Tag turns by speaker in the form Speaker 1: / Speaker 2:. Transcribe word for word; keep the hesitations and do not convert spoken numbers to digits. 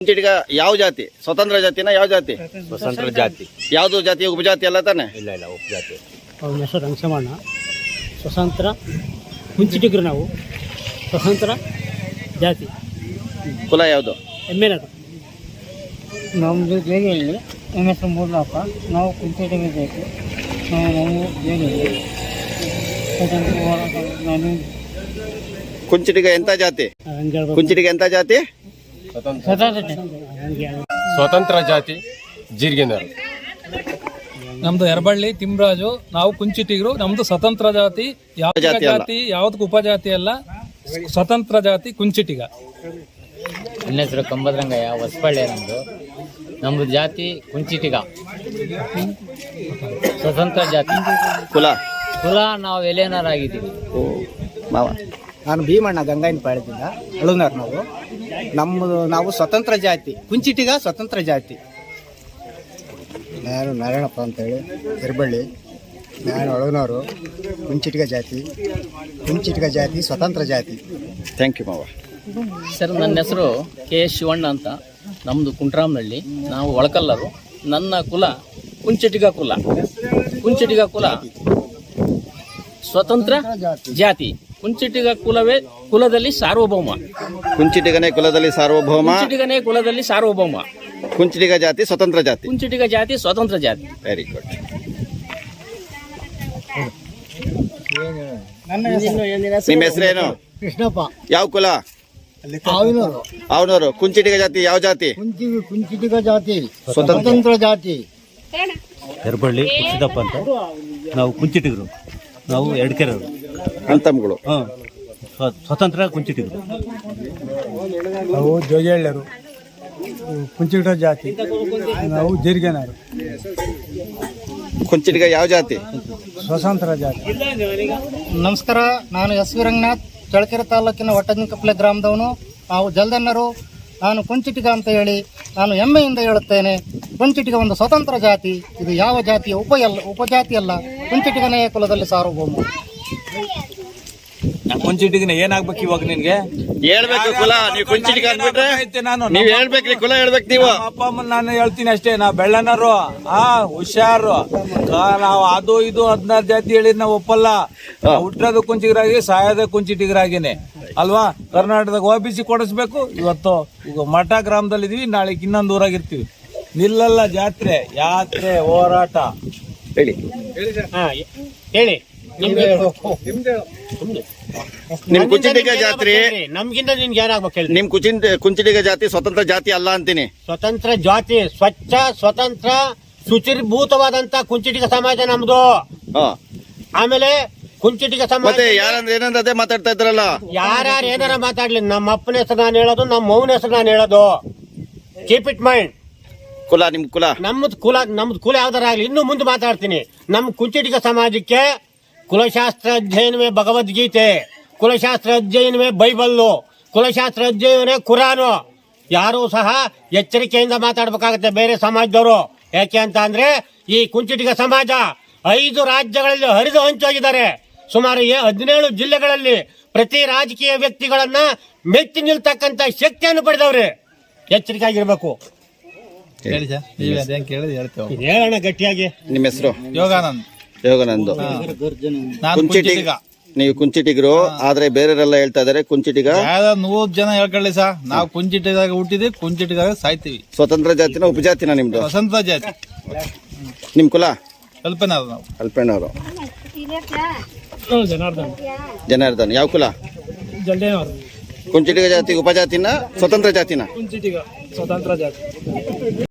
Speaker 1: ಕುಂಚಿಟಿಗ ಯಾವ ಜಾತಿ? ಸ್ವತಂತ್ರ ಜಾತಿನ ಯಾವ ಜಾತಿ?
Speaker 2: ಸ್ವತಂತ್ರ ಜಾತಿ.
Speaker 1: ಯಾವುದು ಜಾತಿ? ಉಪಜಾತಿ ಅಲ್ಲ ತಾನೆ?
Speaker 2: ಇಲ್ಲ ಇಲ್ಲ ಉಪಜಾತಿ.
Speaker 3: ಅವ್ರ ಹೆಸರು ರಂಗಸಮಣ್ಣ. ಸ್ವತಂತ್ರ ಕುಂಚಿಟಿಗರು ನಾವು. ಸ್ವತಂತ್ರ ಜಾತಿ.
Speaker 1: ಕುಲ ಯಾವುದು?
Speaker 3: ಎಮ್ಮೆನದು.
Speaker 4: ನಮ್ಮದು ಜೇಡಿಯಲ್ಲಿ ಎಮ್ ಎಸ್ ಮೂರ್ನಾಪ. ನಾವು ಕುಂಚಿಟಿಗ ಜಾತಿ. ನಾವು ನಾವು ಜೇಡಿಯಲ್ಲಿ ಸ್ವತಂತ್ರ ಹೋರಾಟ. ನಾನು
Speaker 1: ಕುಂಚಿಟಿಗ ಎಂತ ಜಾತಿ?
Speaker 3: ಹಂಗೆ ಹೇಳ್ಬೇಕು.
Speaker 1: ಕುಂಚಿಟಿಗ ಎಂತ ಜಾತಿ?
Speaker 4: ಸ್ವತಂತ್ರ
Speaker 3: ಹಂಗೆ ಹೇಳ್ಬೇಕು.
Speaker 2: ಸ್ವತಂತ್ರ ಜಾತಿ ಜೀರಿಗೆನರು.
Speaker 5: ನಮ್ದು ಎರಬಳ್ಳಿ ತಿಮ್ರಾಜು. ನಾವು ಕುಂಚಿಟಿಗರು. ನಮ್ದು ಸ್ವತಂತ್ರ ಜಾತಿ. ಯಾವ
Speaker 1: ಜಾತಿ ಅಲ್ಲ.
Speaker 5: ಜಾತಿ ಯಾವ್ದಕ್ಕೂ ಉಪಜಾತಿ ಅಲ್ಲ. ಸ್ವತಂತ್ರ ಜಾತಿ ಕುಂಚಿಟಿಗ.
Speaker 6: ನನ್ನ ಹೆಸರು ಕಂಬದ್ರಂಗಯ್ಯ. ಹೊಸಬಳ್ಳಿ ನಮ್ದು. ನಮ್ದು ಜಾತಿ ಕುಂಚಿಟಿಗ. ಸ್ವತಂತ್ರ ಜಾತಿ.
Speaker 1: ಕುಲ
Speaker 6: ಕುಲ ನಾವು ಎಲೆನರಾಗಿದ್ದೀವಿ.
Speaker 1: ಓ ಮಾವ.
Speaker 7: ನಾನು ಭೀಮಣ್ಣ ಗಂಗಾಯಿನ ಪಾಳ್ಯದಿಂದ ಅಳುನಾರ್. ನಾವು ನಮ್ಮದು ನಾವು ಸ್ವತಂತ್ರ ಜಾತಿ ಕುಂಚಿಟಿಗ ಸ್ವತಂತ್ರ ಜಾತಿ. ನಾನು ನಾರಾಯಣಪ್ಪ ಅಂತೇಳಿ ಎರಬಳ್ಳಿ. ನಾನು ಅಳುನವರು ಕುಂಚಿಟಿಗ ಜಾತಿ. ಕುಂಚಿಟಿಗ ಜಾತಿ ಸ್ವತಂತ್ರ ಜಾತಿ.
Speaker 1: ಥ್ಯಾಂಕ್ ಯು ಮಾವ.
Speaker 6: ಸರ್ ನನ್ನ ಹೆಸರು ಕೆ ಎಸ್ ಶಿವಣ್ಣ ಅಂತ. ನಮ್ಮದು ಕುಂಟ್ರಾಮ್ನಹಳ್ಳಿ. ನಾವು ಒಳಕಲ್ಲರು. ನನ್ನ ಕುಲ ಕುಂಚಿಟಿಗ ಕುಲ. ಕುಂಚಿಟಿಗ ಕುಲ ಸ್ವತಂತ್ರ ಜಾತಿ. ಕುಂಚಿಟಿಗ ಕುಲವೇ ಕುಲದಲ್ಲಿ ಸಾರ್ವಭೌಮ.
Speaker 1: ಕುಂಚಿಟಿಗನೇ ಕುಲದಲ್ಲಿ ಸಾರ್ವಭೌಮ.
Speaker 6: ಕುಂಚಿಟಿಗನೇ ಕುಲದಲ್ಲಿ ಸಾರ್ವಭೌಮ.
Speaker 1: ಕುಂಚಿಟಿಗ ಜಾತಿ ಸ್ವತಂತ್ರ ಜಾತಿ.
Speaker 6: ಕುಂಚಿಟಿಗ ಜಾತಿ ಸ್ವತಂತ್ರ ಜಾತಿ.
Speaker 1: Very good. ನಿಮ್ಮ ಹೆಸರೇನು?
Speaker 7: ಕೃಷ್ಣಪ್ಪ.
Speaker 1: ಯಾವ ಕುಲ?
Speaker 7: ಆವಿನವರು.
Speaker 1: ಅವನವರು. ಕುಂಚಿಟಿಗ ಜಾತಿ ಯಾವ ಜಾತಿ?
Speaker 7: ಕುಂಚಿ ಕುಂಚಿಟಿಗ ಜಾತಿ
Speaker 1: ಸ್ವತಂತ್ರ
Speaker 7: ಸ್ವತಂತ್ರ ಜಾತಿ.
Speaker 8: ಎರಬಳ್ಳಿ ಸಿದ್ದಪ್ಪ ಅಂತ. ನಾವು ಕುಂಚಿಟಿಗರು. ನಾವು ಎಡ್ಕೆರವರು.
Speaker 1: ಅಂತಮ್ಗಳು.
Speaker 8: ಹಾಂ, ಸ್ವತಂತ್ರ ಕುಂಚಿಟಿಗರು.
Speaker 9: ನಾವು ಜೋಗಿಹಳ್ಳಿಯರು. ಕುಂಚಿಟ ಜಾತಿ. ನಾವು ಜೀರಿಗೆನರು.
Speaker 1: ಕುಂಚಿಟಿಗ ಯಾವ ಜಾತಿ?
Speaker 9: ಸ್ವತಂತ್ರ ಜಾತಿ.
Speaker 4: ನಮಸ್ಕಾರ. ನಾನು ಎಸ್ ವಿ ರಂಗನಾಥ್, ಚಳ್ಳಕೆರೆ ತಾಲೂಕಿನ ಒಟ್ಟಜಿನಕಪ್ಪಲೆ ಗ್ರಾಮದವನು. ನಾವು ಜಲ್ದನ್ನರು. ನಾನು ಕುಂಚಿಟಿಗ ಅಂತ ಹೇಳಿ ನಾನು ಹೆಮ್ಮೆಯಿಂದ ಹೇಳುತ್ತೇನೆ. ಕುಂಚಿಟಿಗ ಒಂದು ಸ್ವತಂತ್ರ ಜಾತಿ. ಇದು ಯಾವ ಜಾತಿಯ ಉಪ ಅಲ್ಲ ಉಪಜಾತಿ ಅಲ್ಲ. ಕುಂಚಿಟಿಗನೇ ಕುಲದಲ್ಲಿ ಸಾರ್ವಭೌಮ.
Speaker 2: ಕುಂಚಿಟಿಗನ ಏನಾಗ್ಬೇಕು ಇವಾಗ ನಿನ್ಗೆ?
Speaker 1: ಹೇಳ್ಬೇಕು ಕುಲ. ನೀವು ಕುಂಚಿಟಿಗ ಅಂದ್ಬಿಟ್ರೆ
Speaker 2: ನಾನು
Speaker 1: ನೀವ್ ಹೇಳ್ಬೇಕ್ರಿ. ಕುಲ ಹೇಳ್ಬೇಕು ನೀವು.
Speaker 2: ಅಪ್ಪ ಅಮ್ಮನ ನಾನು ಹೇಳ್ತೀನಿ ಅಷ್ಟೇ. ನಾ ಬೆಳ್ಳನರು. ಹಾ ಹುಷಾರು. ನಾವು ಅದು ಇದು ಹದಿನಾರು ಜಾತಿ ಹೇಳಿದ್ ನಾವು ಒಪ್ಪಲ್ಲ. ಹುಟ್ಟೋದು ಕುಂಚಿಗರಾಗಿ ಸಾಯೋದ ಕುಂಚಿಟಿಗರಾಗಿನೇ ಅಲ್ವಾ? ಕರ್ನಾಟಕದಾಗ ಒ ಬಿ ಸಿ ಕೊಡಿಸ್ಬೇಕು. ಇವತ್ತು ಈಗ ಮಠ ಗ್ರಾಮದಲ್ಲಿ ಇದೀವಿ, ನಾಳೆ ಇನ್ನೊಂದು ಊರಾಗಿರ್ತೀವಿ. ನಿಲ್ಲಲ್ಲ ಜಾತ್ರೆ, ಯಾತ್ರೆ, ಹೋರಾಟ.
Speaker 1: ಹೇಳಿ
Speaker 4: ಹೇಳಿ.
Speaker 1: ನಿಮ್ ಕುಂಚಿಟಿಗ ಜಾತ್ರೆ
Speaker 4: ನಮ್ಗಿಂತ ನಿನ್ಗೆ ಏನಾಗ್ಬೇಕು ಹೇಳಿ.
Speaker 1: ನಿಮ್ ಕುಚಿನ್ ಕುಂಚಿಟಿಗ ಜಾತಿ ಸ್ವತಂತ್ರ ಜಾತಿ ಅಲ್ಲ ಅಂತೀನಿ.
Speaker 4: ಸ್ವತಂತ್ರ ಜಾತಿ, ಸ್ವಚ್ಛ ಸ್ವತಂತ್ರ ಶುಚಿರ್ಭೂತವಾದಂತ ಕುಂಚಿಟಿಗ ಸಮಾಜ ನಮ್ದು.
Speaker 1: ಹಾ.
Speaker 4: ಆಮೇಲೆ ಕುಂಚಿಟಿಗ ಸಮಾಜ
Speaker 1: ಮತ್ತೆ ಯಾರಂದ್ರೆ ಏನಂದ್ರೆ ಅದೇ ಮಾತಾಡ್ತಾ ಇದ್ರಲ್ಲ.
Speaker 4: ಯಾರ್ಯಾರು ಏನಾರ ಮಾತಾಡ್ಲಿ, ನಮ್ಮ ಅಪ್ಪನ ಹೆಸರು ನಾನು ಹೇಳೋದು, ನಮ್ಮ ಮೌನ ಹೆಸರು ನಾನು ಹೇಳೋದು. Keep it mind.
Speaker 1: ಕುಲ ನಿಮ್ ಕುಲ.
Speaker 4: ನಮ್ಮದ್ ಕುಲ ನಮ್ದು ಕುಲ ಯಾವ್ದಾರ ಆಗ್ಲಿ, ಇನ್ನು ಮುಂದೆ ಮಾತಾಡ್ತೀನಿ. ನಮ್ಮ ಕುಂಚಿಟಿಗ ಸಮಾಜಕ್ಕೆ ಕುಲಶಾಸ್ತ್ರ ಅಧ್ಯಯನವೇ ಭಗವದ್ಗೀತೆ, ಕುಲಶಾಸ್ತ್ರ ಅಧ್ಯಯನವೇ ಬೈಬಲ್ಲು, ಕುಲಶಾಸ್ತ್ರ ಅಧ್ಯಯನವೇ ಕುರಾನು. ಯಾರೂ ಸಹ ಎಚ್ಚರಿಕೆಯಿಂದ ಮಾತಾಡ್ಬೇಕಾಗತ್ತೆ ಬೇರೆ ಸಮಾಜದವರು. ಯಾಕೆ ಅಂತ ಅಂದ್ರೆ ಈ ಕುಂಚಿಟಿಗ ಸಮಾಜ ಐದು ರಾಜ್ಯಗಳಲ್ಲಿ ಹರಿದು ಹಂಚೋಗಿದ್ದಾರೆ. ಸುಮಾರು ಹದಿನೇಳು ಜಿಲ್ಲೆಗಳಲ್ಲಿ ಪ್ರತಿ ರಾಜಕೀಯ ವ್ಯಕ್ತಿಗಳನ್ನ ಮೆಚ್ಚಿ ನಿಲ್ತಕ್ಕಂತ ಶಕ್ತಿಯನ್ನು ಪಡೆದವ್ರೆ. ಎಚ್ಚರಿಕೆ ಆಗಿರ್ಬೇಕು. ಹೇಳೋಣ ಗಟ್ಟಿಯಾಗಿ.
Speaker 1: ನಿಮ್ಮ ಹೆಸರು?
Speaker 2: ಯೋಗಾನಂದ್.
Speaker 1: ಯೋಗಾನಂದ್. ಕುಂಚಿಟಿಗ. ನೀವು ಕುಂಚಿಟಿಗರು. ಆದ್ರೆ ಬೇರೆಯವರೆಲ್ಲ ಹೇಳ್ತಾ ಇದಾರೆ ಕುಂಚಿಟಿಗ.
Speaker 2: ನೂರ್ ಜನ ಹೇಳ್ಕೊಳ್ಳಿ ಸಾ, ನಾವು ಕುಂಚಿಟಿದಾಗ ಹುಟ್ಟಿದೀವಿ, ಕುಂಚಿಟಿದಾಗ ಸಾಯ್ತೀವಿ.
Speaker 1: ಸ್ವತಂತ್ರ ಜಾತಿನ ಉಪಜಾತಿನ ನಿಮ್ದು?
Speaker 2: ಸ್ವತಂತ್ರ ಜಾತಿ.
Speaker 1: ನಿಮ್ ಕುಲ?
Speaker 2: ಕಲ್ಪನಾ. ನಾವು
Speaker 1: ಅಲ್ಪಣ್ಣವರು.
Speaker 3: ಜನಾರ್ದನ್.
Speaker 1: ಜನಾರ್ದನ್. ಯಾವ ಕುಲ?
Speaker 3: ಜಲ್ದೇನವರು.
Speaker 1: ಕುಂಚಿಟಿಗ ಜಾತಿ ಉಪಜಾತಿನ ಸ್ವತಂತ್ರ ಜಾತಿನ?
Speaker 3: ಕುಂಚಿಟಿಗ ಸ್ವತಂತ್ರ ಜಾತಿ.